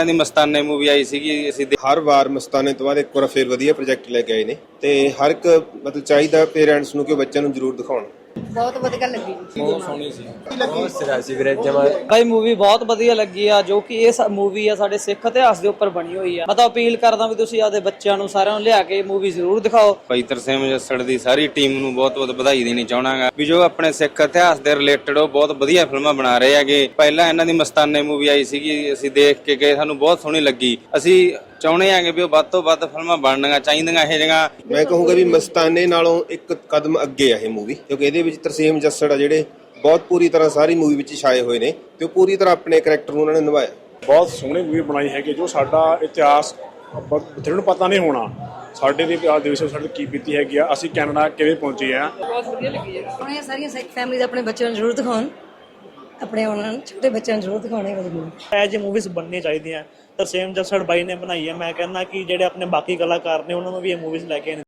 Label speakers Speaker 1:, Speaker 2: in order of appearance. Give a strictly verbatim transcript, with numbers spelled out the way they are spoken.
Speaker 1: ਦੀ ਮਸਤਾਨੇ movie ਆਈ ਸੀਗੀ, ਅਸੀਂ
Speaker 2: ਹਰ ਵਾਰ ਮਸਤਾਨੇ ਤੋਂ ਬਾਅਦ ਇੱਕ ਵਾਰ ਫੇਰ ਵਧੀਆ ਪ੍ਰੋਜੈਕਟ ਲੈ ਕੇ ਆਏ ਨੇ ਤੇ ਹਰ ਇੱਕ ਮਤਲਬ ਚਾਹੀਦਾ ਪੇਰੈਂਟਸ ਨੂੰ ਕਿ ਬੱਚਿਆਂ ਨੂੰ ਜ਼ਰੂਰ ਦਿਖਾਉਣ।
Speaker 3: ਬਹੁਤ ਵਧੀਆ ਲੱਗੀ,
Speaker 1: ਬਹੁਤ ਸੋਹਣੀ ਸੀ,
Speaker 4: ਬਹੁਤ ਸਿਰਾ ਸੀ ਵੀਰੇ ਜਮਾ।
Speaker 5: ਭਾਈ ਮੂਵੀ ਬਹੁਤ ਵਧੀਆ ਲੱਗੀ ਆ, ਜੋ ਕਿ ਇਹ ਮੂਵੀ ਆ ਸਾਡੇ ਸਿੱਖ ਇਤਿਹਾਸ ਦੇ ਉੱਪਰ ਬਣੀ ਹੋਈ ਆ। ਮੈਂ ਤਾਂ ਅਪੀਲ ਕਰਦਾ ਵੀ ਤੁਸੀਂ ਆਪਦੇ ਬੱਚਿਆਂ ਨੂੰ ਸਾਰਿਆਂ ਨੂੰ ਲਿਆ ਕੇ ਮੂਵੀ ਜ਼ਰੂਰ ਦਿਖਾਓ।
Speaker 1: ਭਾਈ ਤਰਸੇਮ ਜੱਸੜ ਦੀ ਸਾਰੀ ਟੀਮ ਨੂੰ ਬਹੁਤ ਬਹੁਤ ਵਧਾਈ ਦੇਣੀ ਚਾਹਣਾਗਾ ਵੀ ਜੋ ਆਪਣੇ ਸਿੱਖ ਇਤਿਹਾਸ ਦੇ ਰਿਲੇਟਡ ਉਹ ਬਹੁਤ ਵਧੀਆ ਫਿਲਮਾਂ ਬਣਾ ਰਹੇ ਹੈਗੇ। ਪਹਿਲਾਂ ਇਹਨਾਂ ਦੀ ਮਸਤਾਨੇ ਮੂਵੀ ਆਈ ਸੀਗੀ, ਅਸੀਂ ਦੇਖ ਕੇ ਗਏ, ਸਾਨੂੰ ਬਹੁਤ ਸੋਹਣੀ ਲੱਗੀ। ਅਸੀਂ ਚਾਹੁੰਦੇ ਆਂਗੇ ਵੀ ਉਹ ਵੱਧ ਤੋਂ ਵੱਧ ਫਿਲਮਾਂ ਬਣਨੀਆਂ ਚਾਹੀਦੀਆਂ ਇਹ ਜਿਹੀਆਂ।
Speaker 2: ਮੈਂ ਕਹੂੰਗਾ ਵੀ ਮਸਤਾਨੇ ਨਾਲੋਂ ਇੱਕ ਕਦਮ ਅੱਗੇ ਆ ਇਹ ਮੂਵੀ, ਕਿਉਂਕਿ ਇਹਦੇ ਵਿੱਚ ਤਰਸੇਮ ਜੱਸੜ ਆ ਜਿਹੜੇ ਬਹੁਤ ਪੂਰੀ ਤਰ੍ਹਾਂ ਸਾਰੀ ਮੂਵੀ ਵਿੱਚ ਛਾਏ ਹੋਏ ਨੇ ਤੇ ਉਹ ਪੂਰੀ ਤਰ੍ਹਾਂ ਆਪਣੇ ਕਰੈਕਟਰ ਨੂੰ ਉਹਨਾਂ ਨੇ ਨਿਭਾਇਆ।
Speaker 6: ਬਹੁਤ ਸੋਹਣੀ ਮੂਵੀ ਬਣਾਈ ਹੈਗੀ, ਜੋ ਸਾਡਾ ਇਤਿਹਾਸ ਬਥੇਰੇ ਨੂੰ ਪਤਾ ਨਹੀਂ ਹੋਣਾ ਸਾਡੇ ਦੇ ਇਤਿਹਾਸ ਦੇ ਵਿੱਚ ਸਾਡੇ ਕੀ ਬੀਤੀ ਹੈਗੀ ਆ, ਅਸੀਂ ਕੈਨੇਡਾ ਕਿਵੇਂ ਪਹੁੰਚੇ ਆ।
Speaker 5: ਬਹੁਤ ਵਧੀਆ ਲੱਗੀ ਹੈ।
Speaker 3: ਸੋਹਣੀਆਂ ਸਾਰੀਆਂ ਸਿੱਖ ਫੈਮਿਲੀਜ਼ ਆਪਣੇ ਬੱਚਿਆਂ ਨੂੰ ਜ਼ਰੂਰ ਦਿਖਾਉਣ, ਆਪਣੇ ਉਹਨਾਂ ਨੂੰ ਛੋਟੇ ਬੱਚਿਆਂ ਨੂੰ ਜ਼ਰੂਰ ਦਿਖਾਉਣੇ ਵਧੀਆ।
Speaker 7: ਇਹ ਜਿਹੀ ਮੂਵੀਜ਼ ਬਣਨੀਆਂ ਚਾਹੀਦੀਆਂ। ਤਰਸੇਮ ਜੱਸੜ ਬਾਈ ਨੇ ਬਣਾਈ ਹੈ। ਮੈਂ ਕਹਿੰਦਾ ਕਿ ਜਿਹੜੇ ਆਪਣੇ ਬਾਕੀ ਕਲਾਕਾਰ ਨੇ ਉਹਨਾਂ ਨੂੰ ਵੀ ਇਹ ਮੂਵੀਜ਼ ਲੈ ਕੇ